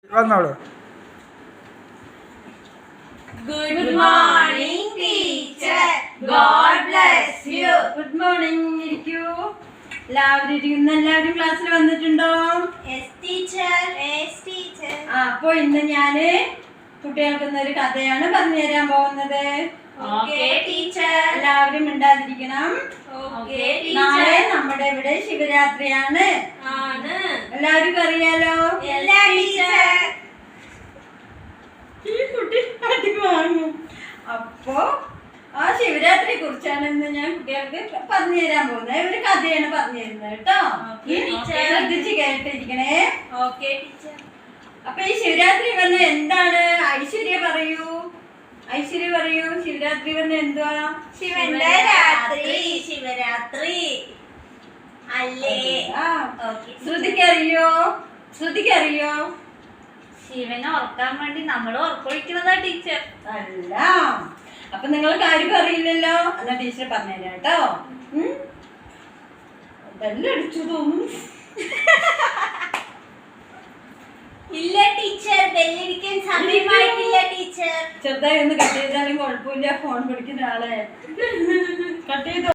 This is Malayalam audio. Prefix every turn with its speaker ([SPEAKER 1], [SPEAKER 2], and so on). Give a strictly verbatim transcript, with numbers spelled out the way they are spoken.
[SPEAKER 1] വന്നോളൂ.
[SPEAKER 2] Good morning, teacher. God bless you.
[SPEAKER 3] Good morning. ഇരിക്കൂ. എല്ലാവരും ഇരിക്കുന്ന എല്ലാവരും ക്ലാസ്സിൽ വന്നിട്ടുണ്ടോ?
[SPEAKER 2] Yes, teacher. Yes, teacher.
[SPEAKER 3] ആ, അപ്പൊ ഇന്ന് ഞാന് കുട്ടികൾക്ക് ഒരു കഥയാണ് പറഞ്ഞു തരാൻ പോകുന്നത്.
[SPEAKER 2] Okay, teacher.
[SPEAKER 3] എല്ലാവരും മിണ്ടാതിരിക്കണം.
[SPEAKER 2] Okay,
[SPEAKER 3] നാളെ
[SPEAKER 2] teacher.
[SPEAKER 3] നമ്മുടെ ഇവിടെ ശിവരാത്രിയാണ്.
[SPEAKER 2] ആണ്.
[SPEAKER 3] എല്ലാവർക്കും അറിയാലോ?
[SPEAKER 2] Yes, teacher.
[SPEAKER 3] ഈ കുട്ടി അടി വാങ്ങും. അപ്പോ ആ ശിവരാത്രിയെ കുറിച്ചാണ് ഇന്ന് ഞാൻ കുട്ടികൾക്ക് പറഞ്ഞു തരാൻ പോകുന്നത്. ഒരു കഥയാണ് പറഞ്ഞു തരുന്നത് കേട്ടോ.
[SPEAKER 2] Okay, teacher.
[SPEAKER 3] ശ്രദ്ധിച്ച് കേട്ടിരിക്കണേ.
[SPEAKER 2] Okay, teacher.
[SPEAKER 3] അപ്പൊ ഈ ശിവരാത്രി പറഞ്ഞ എന്താണ്? ഐശ്വര്യ പറയൂ. ഐശ്വര്യ പറയൂ. ശിവരാത്രി പറഞ്ഞ എന്തുവാ?
[SPEAKER 2] ശിവന്റെ രാത്രി. ശിവരാത്രി അല്ലേ?
[SPEAKER 3] ആ.
[SPEAKER 2] Okay.
[SPEAKER 3] ശ്രുതിക്കറിയോ? ശ്രുതിക്കറിയോ?
[SPEAKER 2] ശിവനെ ഓർക്കാൻ വേണ്ടി നമ്മൾ ഓർക്കൊഴിക്കുന്നതാ ടീച്ചർ.
[SPEAKER 3] അല്ല. അപ്പൊ നിങ്ങൾക്ക് ആർക്കും അറിയില്ലല്ലോ. എന്നാ ടീച്ചർ പറഞ്ഞുതരാം കേട്ടോ. ബെല്ലടിച്ചു തോന്നുന്നു.
[SPEAKER 2] ഇല്ല ടീച്ചർ, ബെല്ലടിക്കാൻ സമയമായിട്ടില്ല ടീച്ചർ.
[SPEAKER 3] ചെറുതായി ഒന്ന് കട്ട് ചെയ്താലും കുഴപ്പമില്ല. ഫോൺ പിടിക്കുന്ന ആളെ കട്ട് ചെയ്തോ.